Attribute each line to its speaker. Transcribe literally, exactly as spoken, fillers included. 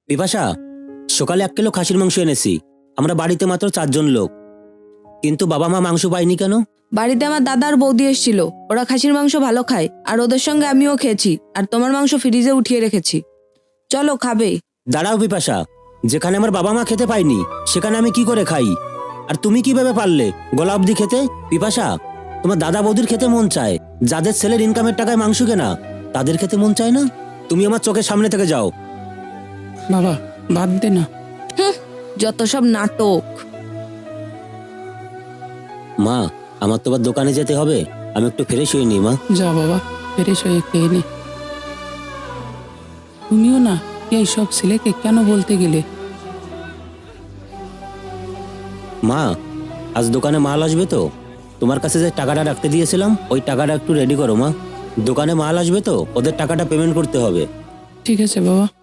Speaker 1: বিপাশা, সকালে এক কিলো খাসির মাংস এনেছি। আমরা বাড়িতে মাত্র চারজন লোক, কিন্তু বাবা মা মাংস পায়নি কেন?
Speaker 2: বাড়িতে আমার দাদা আর বৌদি এসেছিল, ওরা খাসির মাংস ভালো খায় আর ওদের সঙ্গে আমিও খেয়েছি, আর তোমার মাংস ফ্রিজে উঠিয়ে রেখেছি। চলো খাবে।
Speaker 1: দাঁড়াও বিপাশা, যেখানে আমার বাবা মা খেতে পায়নি সেখানে আমি কি করে খাই? আর তুমি কিভাবে পারলে গলা অব্দি খেতে? বিপাশা, তোমার দাদা বৌদির খেতে মন চায়, যাদের ছেলের ইনকামের টাকায় মাংস কেনা তাদের খেতে মন চায় না? তুমি আমার চোখের সামনে থেকে যাও।
Speaker 3: বাবা বাদ দে না।
Speaker 2: যত সব নাটক।
Speaker 1: মা, আমার তো আবার দোকানে যেতে হবে, আমি একটু ফ্রেশ হয়ে নি। মা
Speaker 3: যা বাবা, ফ্রেশ হয়ে খেয়ে নে। তুমিও না এই সব ছেলেকে কেন বলতে গেলে?
Speaker 1: মা, আজ দোকানে মাল আসবে তো, তোমার কাছে যে টাকাটা রাখতে দিয়েছিলাম ওই টাকাটা একটু রেডি করো। মা, দোকানে মাল আসবে তো, ওদের টাকাটা পেমেন্ট করতে হবে।
Speaker 3: ঠিক আছে বাবা।